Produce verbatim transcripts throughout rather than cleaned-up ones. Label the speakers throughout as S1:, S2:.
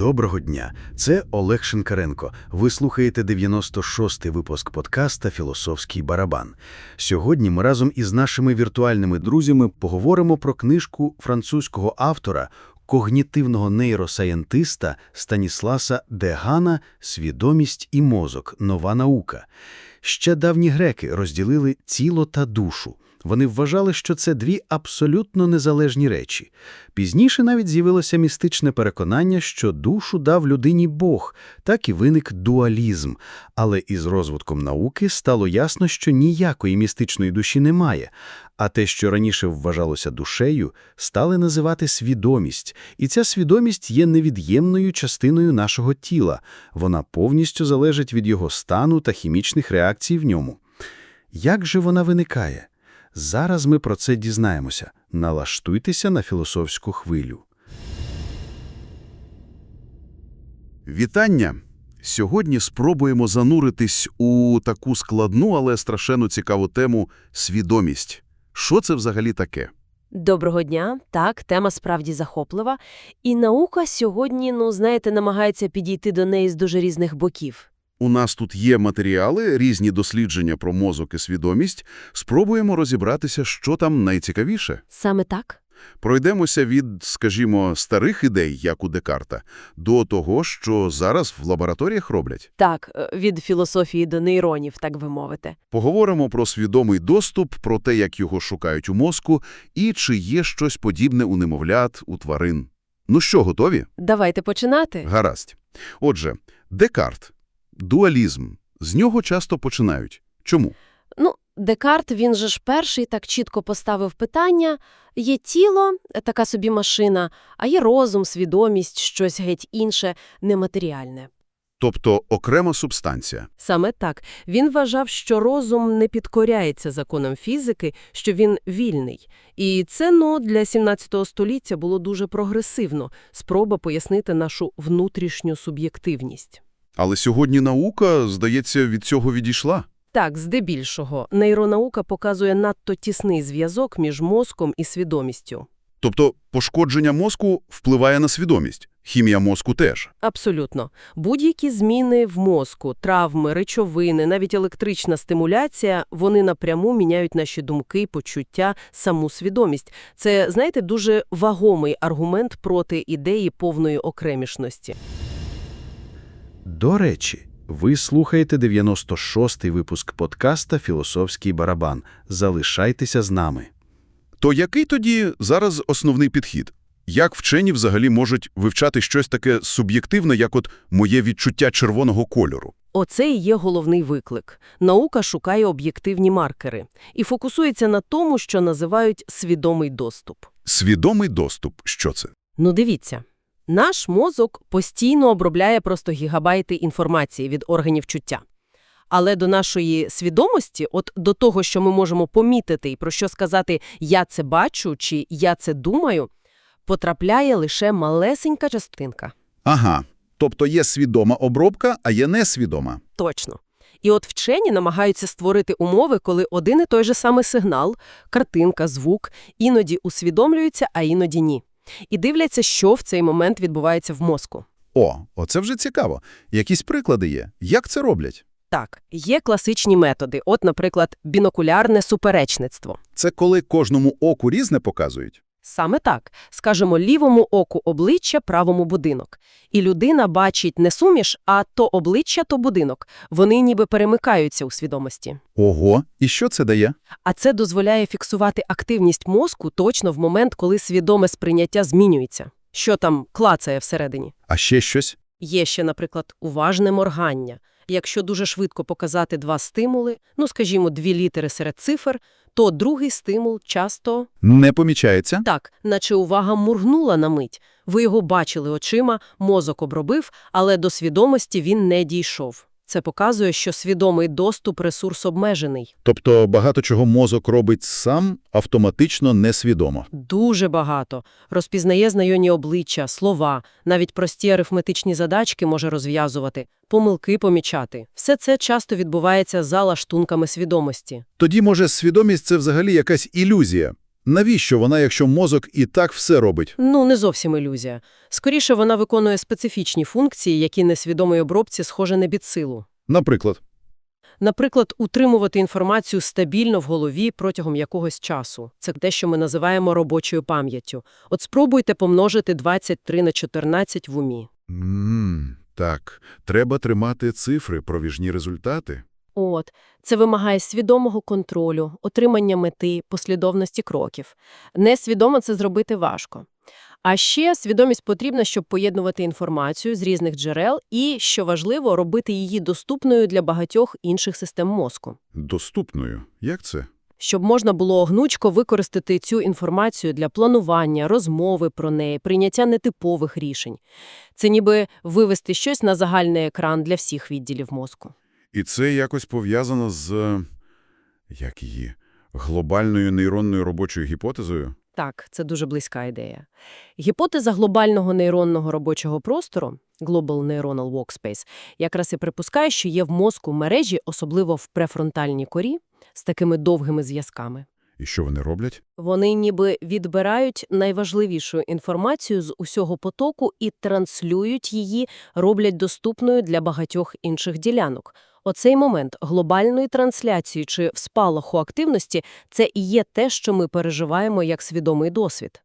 S1: Доброго дня! Це Олег Шинкаренко. Ви слухаєте дев'яносто шостий випуск подкаста «Філософський барабан». Сьогодні ми разом із нашими віртуальними друзями поговоримо про книжку французького автора, когнітивного нейросаєнтиста Станісласа Дегана «Свідомість і мозок. Нова наука». Ще давні греки розділили тіло та душу. Вони вважали, що це дві абсолютно незалежні речі. Пізніше навіть з'явилося містичне переконання, що душу дав людині Бог, так і виник дуалізм. Але із розвитком науки стало ясно, що ніякої містичної душі немає, а те, що раніше вважалося душею, стали називати свідомість. І ця свідомість є невід'ємною частиною нашого тіла. Вона повністю залежить від його стану та хімічних реакцій в ньому. Як же вона виникає? Зараз ми про це дізнаємося. Налаштуйтеся на філософську хвилю.
S2: Вітання! Сьогодні спробуємо зануритись у таку складну, але страшенно цікаву тему – свідомість. Що це взагалі таке?
S3: Доброго дня. Так, тема справді захоплива. І наука сьогодні, ну, знаєте, намагається підійти до неї з дуже різних боків.
S2: У нас тут є матеріали, різні дослідження про мозок і свідомість. Спробуємо розібратися, що там найцікавіше.
S3: Саме так?
S2: Пройдемося від, скажімо, старих ідей, як у Декарта, до того, що зараз в лабораторіях роблять.
S3: Так, від філософії до нейронів, так би мовити.
S2: Поговоримо про свідомий доступ, про те, як його шукають у мозку, і чи є щось подібне у немовлят, у тварин. Ну що, готові?
S3: Давайте починати.
S2: Гаразд. Отже, Декарт. Дуалізм. З нього часто починають. Чому?
S3: Ну, Декарт, він же ж перший так чітко поставив питання. Є тіло, така собі машина, а є розум, свідомість, щось геть інше, нематеріальне.
S2: Тобто окрема субстанція.
S3: Саме так. Він вважав, що розум не підкоряється законам фізики, що він вільний. І це, ну, для сімнадцятого століття було дуже прогресивно. Спроба пояснити нашу внутрішню суб'єктивність.
S2: Але сьогодні наука, здається, від цього відійшла.
S3: Так, здебільшого. Нейронаука показує надто тісний зв'язок між мозком і свідомістю.
S2: Тобто пошкодження мозку впливає на свідомість. Хімія мозку теж.
S3: Абсолютно. Будь-які зміни в мозку, травми, речовини, навіть електрична стимуляція, вони напряму міняють наші думки, почуття, саму свідомість. Це, знаєте, дуже вагомий аргумент проти ідеї повної окремішності.
S1: До речі, ви слухаєте дев'яносто шостий випуск подкаста «Філософський барабан». Залишайтеся з нами.
S2: То який тоді зараз основний підхід? Як вчені взагалі можуть вивчати щось таке суб'єктивне, як от моє відчуття червоного кольору?
S3: Оце і є головний виклик. Наука шукає об'єктивні маркери і фокусується на тому, що називають свідомий доступ.
S2: Свідомий доступ. Що це?
S3: Ну дивіться. Наш мозок постійно обробляє просто гігабайти інформації від органів чуття. Але до нашої свідомості, от до того, що ми можемо помітити і про що сказати «я це бачу» чи «я це думаю», потрапляє лише малесенька частинка.
S2: Ага. Тобто є свідома обробка, а є несвідома.
S3: Точно. І от вчені намагаються створити умови, коли один і той же самий сигнал, картинка, звук, іноді усвідомлюються, а іноді ні. І дивляться, що в цей момент відбувається в мозку.
S2: О, оце вже цікаво. Якісь приклади є? Як це роблять?
S3: Так, є класичні методи. От, наприклад, бінокулярне суперечництво.
S2: Це коли кожному оку різне показують?
S3: Саме так. Скажемо, лівому оку обличчя, правому будинок. І людина бачить не суміш, а то обличчя, то будинок. Вони ніби перемикаються у свідомості.
S2: Ого, і що це дає?
S3: А це дозволяє фіксувати активність мозку точно в момент, коли свідоме сприйняття змінюється. Що там клацає всередині?
S2: А ще щось?
S3: Є ще, наприклад, уважне моргання. Якщо дуже швидко показати два стимули, ну, скажімо, дві літери серед цифр, то другий стимул часто…
S2: Не помічається?
S3: Так, наче увага моргнула на мить. Ви його бачили очима, мозок обробив, але до свідомості він не дійшов. Це показує, що свідомий доступ – ресурс обмежений.
S2: Тобто багато чого мозок робить сам, автоматично несвідомо.
S3: Дуже багато. Розпізнає знайомі обличчя, слова, навіть прості арифметичні задачки може розв'язувати, помилки помічати. Все це часто відбувається за лаштунками свідомості.
S2: Тоді, може, свідомість – це взагалі якась ілюзія? Навіщо вона, якщо мозок і так все робить?
S3: Ну, не зовсім ілюзія. Скоріше, вона виконує специфічні функції, які несвідомій обробці схоже не під силу.
S2: Наприклад,
S3: Наприклад, утримувати інформацію стабільно в голові протягом якогось часу. Це те, що ми називаємо робочою пам'яттю. От спробуйте помножити двадцять три на чотирнадцять в умі.
S2: Ммм, так, треба тримати цифри, проміжні результати.
S3: От, це вимагає свідомого контролю, отримання мети, послідовності кроків. Несвідомо це зробити важко. А ще свідомість потрібна, щоб поєднувати інформацію з різних джерел і, що важливо, робити її доступною для багатьох інших систем мозку.
S2: Доступною. Як це?
S3: Щоб можна було гнучко використати цю інформацію для планування, розмови про неї, прийняття нетипових рішень. Це ніби вивести щось на загальний екран для всіх відділів мозку.
S2: І це якось пов'язано з, як її, глобальною нейронною робочою гіпотезою?
S3: Так, це дуже близька ідея. Гіпотеза глобального нейронного робочого простору, Global Neuronal Workspace, якраз і припускає, що є в мозку мережі, особливо в префронтальній корі, з такими довгими зв'язками.
S2: І що вони роблять?
S3: Вони ніби відбирають найважливішу інформацію з усього потоку і транслюють її, роблять доступною для багатьох інших ділянок. Оцей момент глобальної трансляції чи спалаху активності – це і є те, що ми переживаємо як свідомий досвід.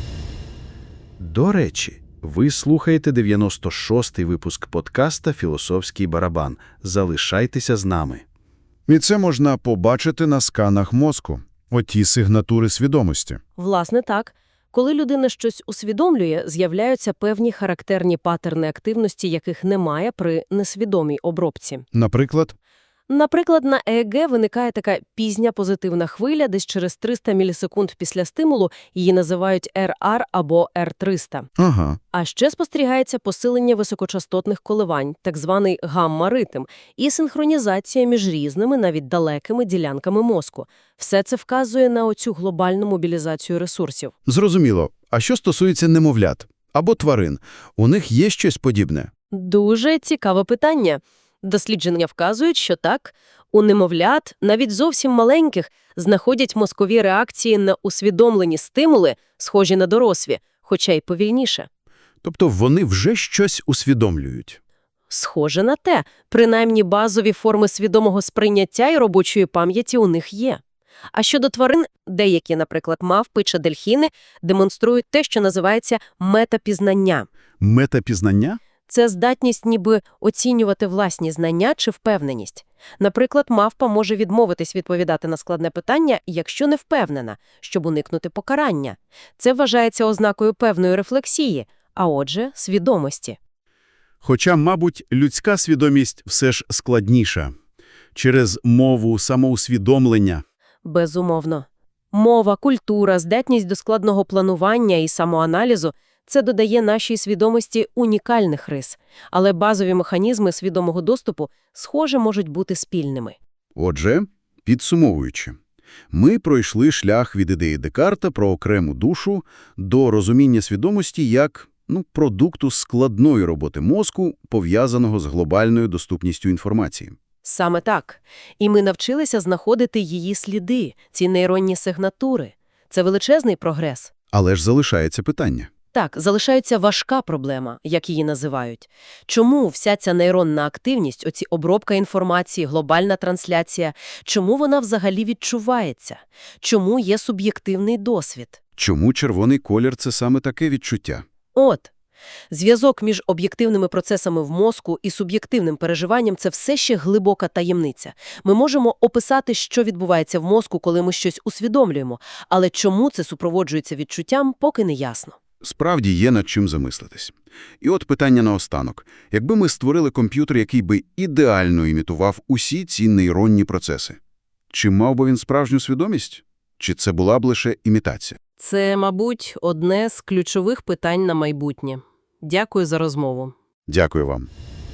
S1: До речі, ви слухаєте дев'яносто шостий випуск подкаста «Філософський барабан». Залишайтеся з нами.
S2: І це можна побачити на сканах мозку. Оті сигнатури свідомості.
S3: Власне так. Коли людина щось усвідомлює, з'являються певні характерні патерни активності, яких немає при несвідомій обробці.
S2: Наприклад?
S3: Наприклад, на ЕЕГ виникає така пізня позитивна хвиля, десь через триста мілісекунд після стимулу, її називають ер ар або ер триста.
S2: Ага.
S3: А ще спостерігається посилення високочастотних коливань, так званий гамма-ритм, і синхронізація між різними, навіть далекими ділянками мозку. Все це вказує на оцю глобальну мобілізацію ресурсів.
S2: Зрозуміло. А що стосується немовлят або тварин? У них є щось подібне?
S3: Дуже цікаве питання. Дослідження вказують, що так, у немовлят, навіть зовсім маленьких, знаходять мозкові реакції на усвідомлені стимули, схожі на дорослі, хоча й повільніше.
S2: Тобто вони вже щось усвідомлюють?
S3: Схоже на те, принаймні базові форми свідомого сприйняття і робочої пам'яті у них є. А щодо тварин, деякі, наприклад, мавпи чи дельфіни, демонструють те, що називається метапізнання.
S2: Метапізнання?
S3: Це здатність ніби оцінювати власні знання чи впевненість. Наприклад, мавпа може відмовитись відповідати на складне питання, якщо не впевнена, щоб уникнути покарання. Це вважається ознакою певної рефлексії, а отже, свідомості.
S2: Хоча, мабуть, людська свідомість все ж складніша. Через мову, самоусвідомлення.
S3: Безумовно. Мова, культура, здатність до складного планування і самоаналізу – це додає нашій свідомості унікальних рис. Але базові механізми свідомого доступу, схоже, можуть бути спільними.
S2: Отже, підсумовуючи, ми пройшли шлях від ідеї Декарта про окрему душу до розуміння свідомості як, ну, продукту складної роботи мозку, пов'язаного з глобальною доступністю інформації.
S3: Саме так. І ми навчилися знаходити її сліди, ці нейронні сигнатури. Це величезний прогрес.
S2: Але ж залишається питання.
S3: Так, залишається важка проблема, як її називають. Чому вся ця нейронна активність, оці обробка інформації, глобальна трансляція, чому вона взагалі відчувається? Чому є суб'єктивний досвід?
S2: Чому червоний колір – це саме таке відчуття?
S3: От. Зв'язок між об'єктивними процесами в мозку і суб'єктивним переживанням – це все ще глибока таємниця. Ми можемо описати, що відбувається в мозку, коли ми щось усвідомлюємо, але чому це супроводжується відчуттям, поки не ясно.
S2: Справді є над чим замислитись. І от питання наостанок. Якби ми створили комп'ютер, який би ідеально імітував усі ці нейронні процеси, чи мав би він справжню свідомість? Чи це була б лише імітація?
S3: Це, мабуть, одне з ключових питань на майбутнє. Дякую за розмову.
S2: Дякую вам.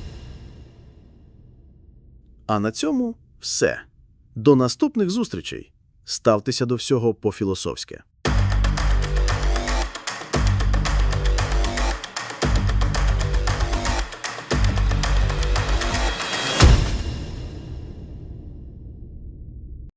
S4: А на цьому все. До наступних зустрічей. Ставтеся до всього по-філософськи.